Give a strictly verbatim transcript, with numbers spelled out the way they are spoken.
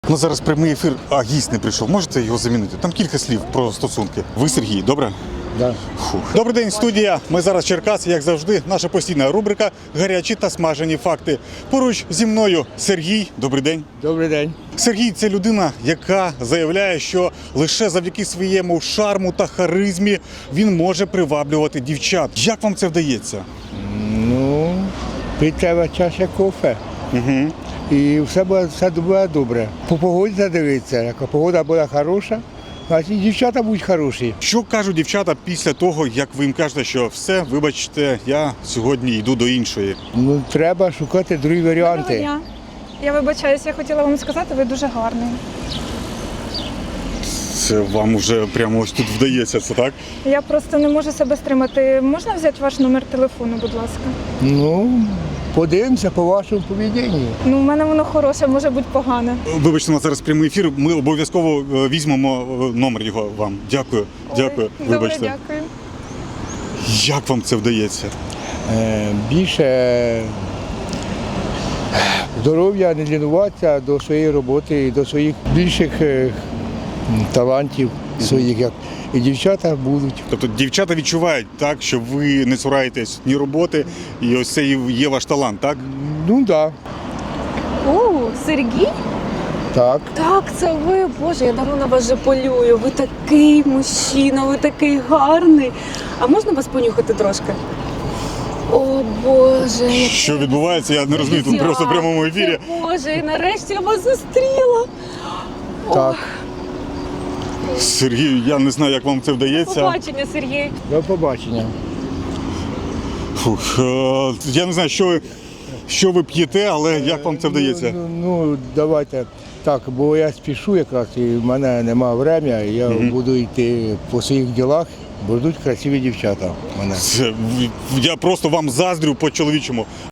Ну зараз прямий ефір, а гість не прийшов. Можете його замінити? Там кілька слів про стосунки. Ви Сергій, добре? Да. Фух. Добрий день, студія. Ми зараз в Черкасі, як завжди, наша постійна рубрика «Гарячі та смажені факти». Поруч зі мною Сергій. Добрий день. Добрий день. Сергій – це людина, яка заявляє, що лише завдяки своєму шарму та харизмі він може приваблювати дівчат. Як вам це вдається? Ну, пить треба чаша кофе. Угу. І все буде, все буде добре. По погоді задивитися. Як погода буде хороша, значить і дівчата будуть хороші. Що кажуть дівчата після того, як ви їм кажете, що все, вибачте, я сьогодні йду до іншої? Ну, треба шукати другі Доброго варіанти. дня. Я вибачаюся, я хотіла вам сказати, ви дуже гарний. Це вам вже прямо ось тут вдається, це так? Я просто не можу себе стримати. Можна взяти ваш номер телефону, будь ласка? Ну, подивимося по вашому поведінню. Ну, у мене воно хороше, може бути погане. Вибачте, у нас зараз прямий ефір, ми обов'язково е, візьмемо е, номер його вам. Дякую, дякую, Ой, вибачте. Добре, дякую. Як вам це вдається? Е, більше здоров'я, не лінуватися до своєї роботи і до своїх більших е, талантів своїх. Як. І дівчата будуть. Тобто дівчата відчувають, так, що ви не цураєтесь ні роботи, і ось це і є ваш талант, так? Ну так, О, Сергій? так. Так, це ви. Боже, я давно на вас вже полюю. Ви такий мужчина, ви такий гарний. А можна вас понюхати трошки? О, Боже. як Що відбувається, я не розумію, тут я- просто в прямому ефірі. Це, Боже, і нарешті я вас зустріла. Так. Сергій, я не знаю, як вам це вдається. Побачення, Сергій. До побачення. Фух, е, я не знаю, що ви, що ви п'єте, але як вам це вдається? Ну, ну, ну, давайте так, бо я спішу якраз, і в мене немає времени, я буду йти по своїх ділах, будуть красиві дівчата в мене. Це, я просто вам заздрю по-чоловічому.